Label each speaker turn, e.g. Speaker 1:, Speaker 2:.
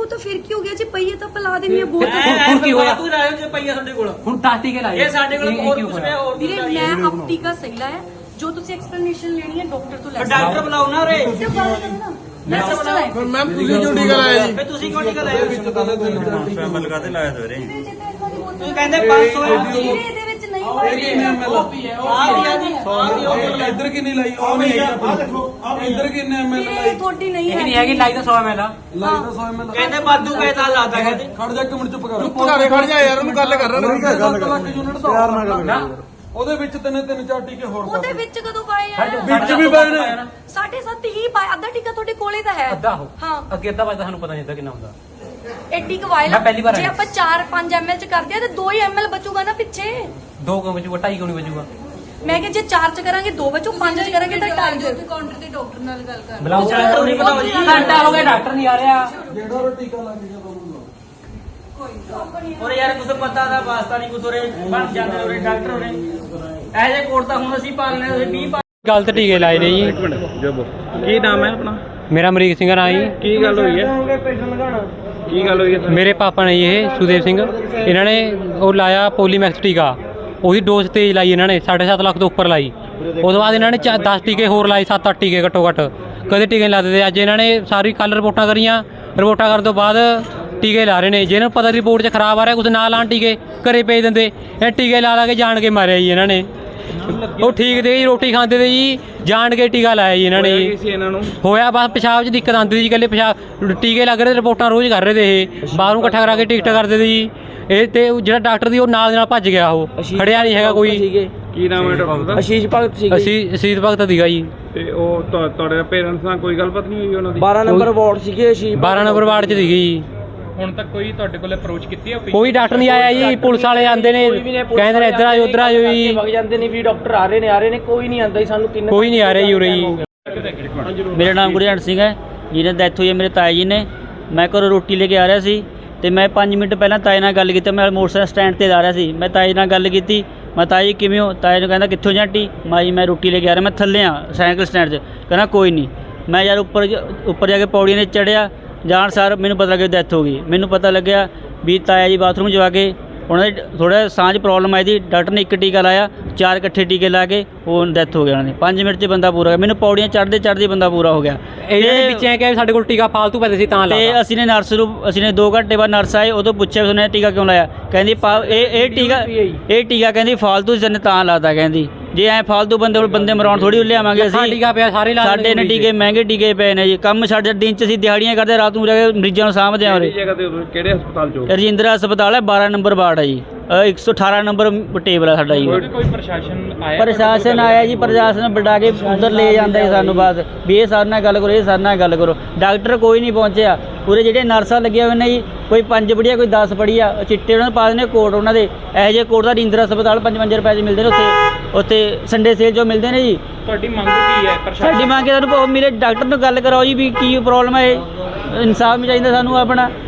Speaker 1: ਤਾਂ ਫਿਰ ਕੀ ਹੋ ਗਿਆ ਜੇ ਪਈਏ ਤਾਂ ਪਿਲਾ ਦੇਣੀ ਹੈ ਬਹੁਤ
Speaker 2: ਹੁਣ ਕੀ ਹੋਇਆ
Speaker 3: ਤੂੰ ਲਾਇਓ ਜੇ ਪਈਆ ਸਾਡੇ ਕੋਲ
Speaker 2: ਹੁਣ 10 ਟੀਕੇ ਲਾਏ
Speaker 3: ਇਹ ਸਾਡੇ ਕੋਲ ਹੋਰ ਕੁਝ ਨਹੀਂ ਹੋਰ
Speaker 1: ਵੀਰੇ ਮੈਂ ਆਪ ਟੀਕਾ ਸਹੀ ਲਾਇਆ ਜੋ ਤੁਸੀਂ ਐਕਸਪਲੇਨੇਸ਼ਨ ਲੈਣੀ ਹੈ ਡਾਕਟਰ ਤੋਂ ਲੈ
Speaker 3: ਡਾਕਟਰ ਬੁਲਾਓ ਨਾ ਰੇ
Speaker 1: ਮੈਂ ਸਿਸਟਰ ਹੈ
Speaker 4: ਫਿਰ ਮੈਮ ਤੁਸੀਂ ਕਿਉਂ ਟੀਕਾ ਲਾਇਆ ਜੀ?
Speaker 3: ਫੇ ਤੁਸੀਂ ਕਿਉਂ ਟੀਕਾ ਲਾਇਆ
Speaker 5: ਸ਼ਾਮਲ ਲਗਾਤੇ ਲਾਇਆ ਸਵੇਰੇ
Speaker 3: ਤੂੰ ਕਹਿੰਦੇ 500 ਹੈ
Speaker 1: ਵੀਰੇ ਇਹਦੇ ਵਿੱਚ ਨਹੀਂ ਹੋਇਆ
Speaker 4: ਇੱਧਰ ਕਿੰਨੀ ਲਾਈ? ਉਹ ਨਹੀਂ ਹੈਗੀ। ਇੱਧਰ ਕਿੰਨੇ ਐਮਐਲ
Speaker 1: ਵੀਰੇ
Speaker 4: ਲਾਈ?
Speaker 1: ਤੁਹਾਡੀ ਨਹੀਂ
Speaker 2: ਇਹ
Speaker 1: ਹੈ
Speaker 2: ਨਹੀਂ ਹੈਗੀ ਲਾਈ ਤਾਂ 100 ml ਆ
Speaker 4: ਲਾਈ ਤਾਂ 100 ਐਮਐਲ।
Speaker 3: ਕਹਿੰਦੇ ਬਾਦੂ ਕਹਿਤਾ ਲਾਤਾ ਕਹਿੰਦੇ
Speaker 4: ਖੜ ਜਾ ਇੱਕ ਮਿੰਟ ਚੁੱਪ ਕਰ। ਚੁੱਪ ਕਰ ਖੜ ਜਾ ਯਾਰ, ਉਹਨੂੰ ਗੱਲ ਕਰ ਰਿਹਾ ਨਾ। 7 ਲੱਖ ਯੂਨਿਟ ਦਾ ਪਿਆਰ ਨਾਲ ਗੱਲ। ਉਹਦੇ ਵਿੱਚ ਤਿੰਨ ਚਾਰ ਟੀਕੇ ਹੋਰ
Speaker 1: ਉਹਦੇ ਵਿੱਚ ਕਦੋਂ ਪਾਏ ਆ
Speaker 4: ਵਿੱਚ ਵੀ ਪਾਏ ਨੇ।
Speaker 1: 7.5 ਹੀ ਪਾਇਆ ਅੱਧਾ ਟੀਕਾ ਤੁਹਾਡੇ ਕੋਲੇ ਤਾਂ ਹੈ
Speaker 2: ਅੱਧਾ ਹੋ
Speaker 1: ਹਾਂ
Speaker 2: ਅੱਗੇ ਅੱਧਾ ਵੱਜਦਾ ਸਾਨੂੰ ਪਤਾ ਨਹੀਂ ਹੁੰਦਾ ਕਿੰਨਾ ਹੁੰਦਾ
Speaker 1: ਐਡੀ ਕਵਾਇਲ
Speaker 2: ਮੈਂ ਪਹਿਲੀ ਵਾਰ
Speaker 1: ਜੇ
Speaker 2: ਆਇਆ।
Speaker 1: ਆਪਾਂ 4-5 ml ਚ ਕਰਦੇ ਆ ਤੇ 2 ਹੀ ml ਬਚੂਗਾ ਨਾ ਪਿੱਛੇ
Speaker 2: 2 ਕਿਉਂ ਬਚੂਗਾ 2.5 ਕਿਉਂ ਨਹੀਂ ਬਚੂਗਾ
Speaker 1: ਮੈਂ ਕਿ ਜੇ 4 ਚ ਕਰਾਂਗੇ 2 ਬਚੂ 5 ਚ ਕਰਾਂਗੇ ਤਾਂ 2.5
Speaker 6: ਕਾਊਂਟਰ ਤੇ ਡਾਕਟਰ ਨਾਲ ਗੱਲ ਕਰ
Speaker 2: ਬੁਲਾਓ
Speaker 3: ਡਾਕਟਰ ਨਹੀਂ ਬੁਲਾਓ ਜੀ।
Speaker 2: ਘੰਟਾ ਹੋ ਗਿਆ ਡਾਕਟਰ ਨਹੀਂ ਆ ਰਿਹਾ
Speaker 4: ਜਿਹੜਾ ਉਹ ਟੀਕਾ ਲੱਗ ਗਿਆ ਤੁਹਾਨੂੰ
Speaker 3: ਔਰ ਯਾਰ ਕੁਝ ਪਤਾ ਦਾ ਵਾਸਤਾ ਨਹੀਂ ਕੁਝ ਉਰੇ ਬਣ ਜਾਂਦੇ ਉਰੇ ਡਾਕਟਰ ਉਰੇ ਇਹ ਜੇ ਕੋਟ ਤਾਂ ਹੁਣ ਅਸੀਂ ਪਾਲਨੇ ਤੁਸੀਂ 20
Speaker 2: ਗਲਤ ਟੀਕੇ ਲਾਏ ਨੇ ਜੀ
Speaker 7: ਕੀ ਨਾਮ ਹੈ ਆਪਣਾ?
Speaker 2: ਮੇਰਾ ਅਮਰੀਕ ਸਿੰਘ ਨਾਂ ਜੀ
Speaker 7: ਕੀ ਗੱਲ ਹੋਈ ਹੈ? ਕੀ ਗੱਲ ਹੋਈ ਹੈ?
Speaker 2: ਮੇਰੇ ਪਾਪਾ ਨੇ ਜੀ ਇਹ ਸੁਦੇਵ ਸਿੰਘ ਇਹਨਾਂ ਨੇ ਉਹ ਲਾਇਆ ਪੋਲੀਮੈਕਸ ਟੀਕਾ ਉਹਦੀ ਡੋਜ਼ ਤੇਜ਼ ਲਾਈ ਇਹਨਾਂ ਨੇ 7.5 ਲੱਖ ਤੋਂ ਉੱਪਰ ਲਾਈ ਉਸ ਤੋਂ ਬਾਅਦ ਇਹਨਾਂ ਨੇ 10 ਟੀਕੇ ਹੋਰ ਲਾਏ 7-8 ਟੀਕੇ ਘੱਟੋ ਘੱਟ ਕਦੇ ਟੀਕੇ ਨਹੀਂ ਲਾਦੇ ਤੇ ਅੱਜ ਇਹਨਾਂ ਨੇ ਸਾਰੀ ਕੱਲ ਰਿਪੋਰਟਾਂ ਕਰੀਆਂ ਰਿਪੋਰਟਾਂ ਕਰਨ ਤੋਂ ਬਾਅਦ ਟੀਕੇ ਲਾ ਰਹੇ ਨੇ ਜਿਹਨਾਂ ਨੂੰ ਪਤਾ ਰਿਪੋਰਟ 'ਚ ਖਰਾਬ ਆ ਰਿਹਾ ਕੁਝ ਨਾ ਲਾਣ ਟੀਕੇ ਘਰੇ ਭੇਜ ਦਿੰਦੇ ਇਹ ਟੀਕੇ ਲਾ ਕੇ ਜਾਣ ਕੇ ਮਾਰਿਆ ਜੀ ਇਹਨਾਂ ਨੇ ਉਹ ਠੀਕ ਤੇ ਜੀ ਰੋਟੀ ਖਾਂਦੇ ਤੇ ਜੀ ਜਾਣ ਕੇ ਟੀਕਾ ਲਾਇਆ ਜੀ ਇਹਨਾਂ ਨੇ
Speaker 7: ਕੀ ਸੀ ਇਹਨਾਂ ਨੂੰ?
Speaker 2: ਹੋਇਆ ਬਸ ਪਿਸ਼ਾਬ 'ਚ ਦਿੱਕਤ ਆਉਂਦੀ ਸੀ ਜੀ ਇਕੱਲੇ ਪਿਸ਼ਾਬ ਟੀਕੇ ਲੱਗ ਰਹੇ ਰਿਪੋਰਟਾਂ ਰੋਜ਼ ਕਰ ਰਹੇ ਤੇ ਇਹ ਬਾਹਰੋਂ ਇਕੱਠਾ ਕਰਾ ਕੇ ਟਿਕਟ ਕਰਦੇ ਤੇ ਜੀ ਇਹ ਤੇ ਜਿਹੜਾ ਡਾਕਟਰ ਦੀ ਉਹ ਨਾਲ ਦੇ ਨਾਲ ਭੱਜ ਗਿਆ ਉਹ ਖੜਿਆ ਨਹੀਂ ਹੈਗਾ ਕੋਈ
Speaker 7: ਕੀ ਨਾਮ ਹੈ ਡਾਕਟਰ ਦਾ?
Speaker 6: ਅਸ਼ੀਸ਼ ਭਗਤ ਸੀ
Speaker 2: ਅਸੀਤ ਭਗਤ ਸੀਗਾ ਜੀ
Speaker 7: ਤੇ ਉਹ ਤੁਹਾਡੇ ਪੇਰੈਂਟਸ ਨਾਲ ਕੋਈ ਗੱਲਬਾਤ ਨਹੀਂ ਹੋਈ ਉਹਨਾਂ ਦੀ?
Speaker 6: 12 ਨੰਬਰ ਵਾਰਡ ਸੀਗੇ ਅਸ਼ੀਸ਼
Speaker 2: 12 ਨੰਬਰ ਵਾਰਡ 'ਚ ਸੀਗੀ ਜੀ
Speaker 7: ਹੁਣ ਤੱਕ ਕੋਈ ਤੁਹਾਡੇ ਕੋਲ ਅਪਰੋਚ ਕੀਤੀ ਹੈ?
Speaker 2: ਕੋਈ ਡਾਕਟਰ ਨਹੀਂ ਆਇਆ ਜੀ ਪੁਲਿਸ ਵਾਲੇ ਆਉਂਦੇ ਨੇ ਕਹਿੰਦੇ ਨੇ ਇੱਧਰ ਆਜੋ ਉੱਧਰ ਆਜੋ ਜੀ
Speaker 6: ਵਗ ਜਾਂਦੇ ਨੇ ਵੀ ਡਾਕਟਰ ਆ ਰਹੇ ਨੇ ਕੋਈ ਨਹੀਂ ਆਂਦਾ ਜੀ ਸਾਨੂੰ ਕਿੰਨੇ
Speaker 2: ਕੋਈ ਨਹੀਂ ਆ ਰਿਹਾ ਜੀ ਉਰੇ ਜੀ
Speaker 8: ਮੇਰਾ ਨਾਮ ਗੁਰਜੰਟ ਸਿੰਘ ਹੈ ਜਿਹਨੇ ਡੈਥ ਹੋਈ ਹੈ ਮੇਰੇ ਤਾਏ ਜੀ ਨੇ ਮੈਂ ਘਰੋਂ ਰੋਟੀ ਲੈ ਕੇ ਆ ਰਿਹਾ ਸੀ ਤੇ ਮੈਂ 5 ਮਿੰਟ ਪਹਿਲਾਂ ਤਾਏ ਨਾਲ ਗੱਲ ਕੀਤੀ ਮੈਂ ਮੋਟਰਸਾਈਕਲ ਸਟੈਂਡ ਤੇ ਜਾ ਰਿਹਾ ਸੀ ਮੈਂ ਤਾਏ ਨਾਲ ਗੱਲ ਕੀਤੀ ਮੈਂ ਤਾਏ ਜੀ ਕਿਵੇਂ ਹੋ ਤਾਏ ਨੂੰ ਕਹਿੰਦਾ ਕਿੱਥੋਂ ਜਾਂਟੀ ਮੈਂ ਰੋਟੀ ਲੈ ਕੇ ਆ ਰਿਹਾ ਮੈਂ ਥੱਲੇ ਆ ਸਾਈਕਲ ਸਟੈਂਡ 'ਚ ਕਹਿੰਦਾ ਕੋਈ ਨਹੀਂ ਮੈਂ ਯਾਰ ਉੱਪਰ ਜਾ ਕੇ ਪੌੜੀਆਂ 'ਤੇ ਚੜ੍ਹਿਆ ਜਾਣ ਸਾਰ ਮੈਨੂੰ ਪਤਾ ਲੱਗਿਆ ਡੈਥ ਹੋ ਗਈ ਮੈਨੂੰ ਪਤਾ ਲੱਗਿਆ ਵੀ ਤਾਇਆ ਜੀ ਬਾਥਰੂਮ 'ਚ ਜਾ ਕੇ ਉਹਨਾਂ ਦੇ ਥੋੜ੍ਹਾ ਸਾਹ 'ਚ ਪ੍ਰੋਬਲਮ ਆਈ ਸੀ ਡਾਕਟਰ ਨੇ 1 ਟੀਕਾ ਲਾਇਆ 4 ਇਕੱਠੇ ਟੀਕੇ ਲਾ ਕੇ ਉਹ ਡੈਥ ਹੋ ਗਿਆ ਉਹਨਾਂ ਦੀ 5 ਮਿੰਟ 'ਚ ਬੰਦਾ ਪੂਰਾ ਹੋ ਗਿਆ ਮੈਨੂੰ ਪੌੜੀਆਂ ਚੜ੍ਹਦੇ ਬੰਦਾ ਪੂਰਾ ਹੋ ਗਿਆ
Speaker 2: ਇਹਨਾਂ ਦੇ ਵਿੱਚ ਐ ਕਿ ਸਾਡੇ ਕੋਲ ਟੀਕਾ ਫਾਲਤੂ ਪੈਦੇ ਸੀ ਤਾਂ
Speaker 8: ਤੇ
Speaker 2: ਲਾਇਆ
Speaker 8: ਅਸੀਂ ਨੇ 2 ਘੰਟੇ ਬਾਅਦ ਨਰਸ ਆਏ ਉਦੋਂ ਪੁੱਛਿਆ ਵੀ ਉਹਨੇ ਟੀਕਾ ਕਿਉਂ ਲਾਇਆ ਕਹਿੰਦੀ ਇਹ ਟੀਕਾ ਕਹਿੰਦੀ ਫਾਲਤੂ ਜਨ ਤਾਂ ਲਾਤਾ ਕਹਿੰਦੀ ਜੇ ਐ ਫਾਲਤੂ ਬੰਦੇ ਮਰਾਉਣ ਥੋੜੀ ਲਿਆਵਾਂਗੇ ਅਸੀਂ
Speaker 2: ਟੀਕਾ ਪਿਆ ਸਾਰੇ ਲਾ
Speaker 8: ਸਾਡੇ ਨੇ ਟੀਕੇ ਮਹਿੰਗੇ ਟੀਕੇ ਪਏ ਨੇ ਜੀ ਕੰਮ ਸਾਡੇ ਦਿਨ 'ਚ ਅਸੀਂ ਦਿਹਾੜੀਆਂ ਕਰਦੇ ਰਾਤ ਨੂੰ ਜਾ ਕੇ ਮਰੀਜ਼ਾਂ ਨੂੰ ਸਾਂਭਦੇ ਆ ਉਰੇ
Speaker 7: ਜਗ੍ਹਾ ਤੇ ਕਿਹੜੇ ਹਸਪਤਾਲ 'ਚ?
Speaker 8: ਰਜਿੰਦਰਾ ਹਸਪਤਾਲ ਹੈ 12 ਨੰਬਰ ਵਾਰਡ ਹੈ ਜੀ 118 ਨੰਬਰ ਟੇਬਲ ਹੈ ਸਾਡਾ ਜੀ
Speaker 7: ਕੋਈ ਪ੍ਰਸ਼ਾਸਨ ਆਇਆ?
Speaker 8: ਪ੍ਰਸ਼ਾਸਨ ਆਇਆ ਜੀ ਪ੍ਰਸ਼ਾਸਨ ਬਟਾ ਕੇ ਉਧਰ ਲੈ ਜਾਂਦਾ ਜੀ ਸਾਨੂੰ ਬਾਅਦ ਵੀ ਇਹ ਸਾਡੇ ਨਾਲ ਗੱਲ ਕਰੋ ਇਹ ਸਾਡੇ ਨਾਲ ਗੱਲ ਕਰੋ ਡਾਕਟਰ ਕੋਈ ਨਹੀਂ ਪਹੁੰਚਿਆ ਪੂਰੇ ਜਿਹੜੇ ਨਰਸਾਂ ਲੱਗੀਆਂ ਹੋਏ ਨੇ ਜੀ ਕੋਈ 5 ਪੜ੍ਹੀ ਆ ਕੋਈ 10 ਪੜ੍ਹੀ ਆ ਚਿੱਟੇ ਉਹਨਾਂ ਨੂੰ ਪਾ ਦਿੰਦੇ ਕੋਟ ਉਹਨਾਂ ਦੇ ਇਹੋ ਜਿਹੇ ਕੋਟ ਦਾ ਰਜਿੰਦਰਾ ਹਸਪਤਾਲ 55 ਰੁਪਏ 'ਚ ਮਿਲਦੇ ਨੇ ਉੱਥੇ ਸੰਡੇ ਸੇਲ 'ਚੋਂ ਮਿਲਦੇ ਨੇ ਜੀ
Speaker 7: ਤੁਹਾਡੀ ਮੰਗ ਕੀ ਹੈ
Speaker 8: ਸਾਡੀ ਮੰਗ ਹੈ ਸਾਨੂੰ ਮੇਰੇ ਡਾਕਟਰ ਨੂੰ ਗੱਲ ਕਰਾਓ ਜੀ ਵੀ ਕੀ ਪ੍ਰੋਬਲਮ ਹੈ ਇਨਸਾਫ ਵੀ ਚਾਹੀਦਾ ਸਾਨੂੰ ਆਪਣਾ